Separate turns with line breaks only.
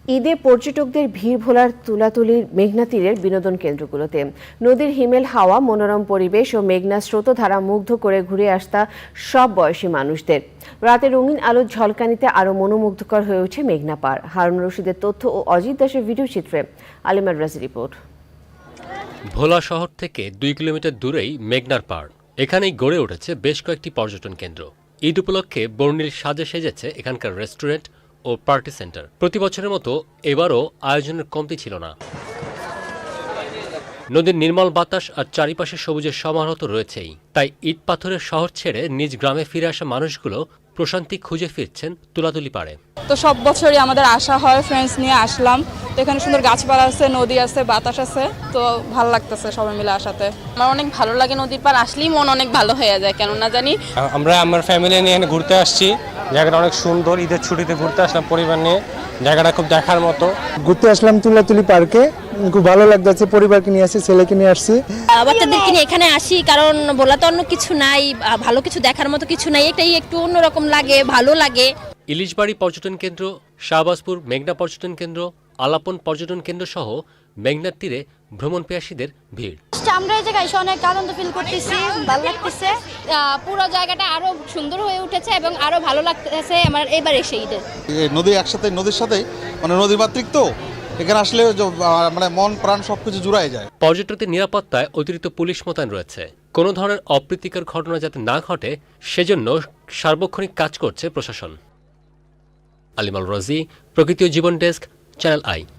ঈদে পর্যটকদের ভিড় ভোলার তুলাতুলির মেঘনা তীরের বিনোদন কেন্দ্রগুলোতে। নদীর হিমেল হাওয়া, মনোরম পরিবেশ ও মেঘনা স্রোতধারা মুগ্ধ করে ঘুরে আসতা সব বয়সী মানুষদের। রাতে রঙিন আলোর ঝলকানিতে আরও মনোমুগ্ধকর হয়ে ওঠে মেঘনা পার। হারুন রশিদের তথ্য ও অজিত দাসের ভিডিও চিত্রে আলিমার রাজি রিপোর্ট।
ভোলা শহর থেকে 2 কিলোমিটার দূরেই মেঘনার পাড়। এখানেই গড়ে উঠেছে বেশ কয়েকটি পর্যটন কেন্দ্র। ঈদ উপলক্ষে বর্ণিল সাজে সেজেছে এখানকার রেস্টুরেন্ট ও পার্টি সেন্টার। প্রতি বছরের মতো এবারও আয়োজনের কমতি ছিল না। নদীর নির্মল বাতাস আর চারিপাশে সবুজের সমারোহ তো রয়েছেই, তাই ইট পাথরের শহর ছেড়ে নিজ গ্রামে ফিরে আসা মানুষগুলো প্রশান্তি খুঁজে ফিরছেন তুলাতুলি পাড়ে।
তো সব বছরই আমাদের আসা হয়, ফ্রেন্ডস নিয়ে আসলাম। তো এখানে সুন্দর গাছপালা আছে, নদী আছে, বাতাস আছে, তো ভালো লাগতেছে সবাই মিলে আসাতে।
আমার অনেক ভালো লাগে, নদীর পার আসলেই মন অনেক ভালো হয়ে যায়, কেন না জানি।
আমরা আমার ফ্যামিলি নিয়ে এখানে ঘুরতে আসছি। জায়গাটা অনেক সুন্দর, ঈদের ছুটিতে ঘুরতে আসলাম পরিবার নিয়ে। জায়গাটা খুব দেখার মতো।
ঘুরতে আসলাম তুলাতুলি পার্কে, খুব ভালো লাগতেছে। পরিবারকে নিয়ে আসছি, ছেলেকে নিয়ে আসছি।
বাচ্চাদেরকে নিয়ে এখানে আসি, কারণ বলা তো অন্য কিছু নাই, ভালো কিছু দেখার মতো কিছু নাই, এটাই একটু অন্যরকম লাগে, ভালো লাগে।
ইলিশবাড়ি পর্যটন কেন্দ্র, শাহবাজপুর মেঘনা পর্যটন কেন্দ্র, আলাপন পর্যটন কেন্দ্র সহ মেঘনার তীরে ভ্রমণ পিয়াসীদের ভিড়।
আমরা এই জায়গায় এসে অনেক আনন্দ ফিল করতেছি, ভালো লাগতেছে। পুরো জায়গাটা আরো সুন্দর হয়ে উঠেছে এবং আরো ভালো লাগতেছে আমার এবার এসে ঈদে।
নদী একসাথে, নদীর সাথে মানে নদীর মাতৃক, তো এখানে আসলে মানে মন প্রাণ সবকিছু জুড়াই যায়।
পর্যটকদের নিরাপত্তায় অতিরিক্ত পুলিশ মোতায়েন রয়েছে। কোনো ধরনের অপ্রীতিকর ঘটনা যাতে না ঘটে সেজন্য সার্বক্ষণিক কাজ করছে প্রশাসন। আলিমাল রাজি, প্রকৃতি ও জীবন ডেস্ক, চ্যানেল আই।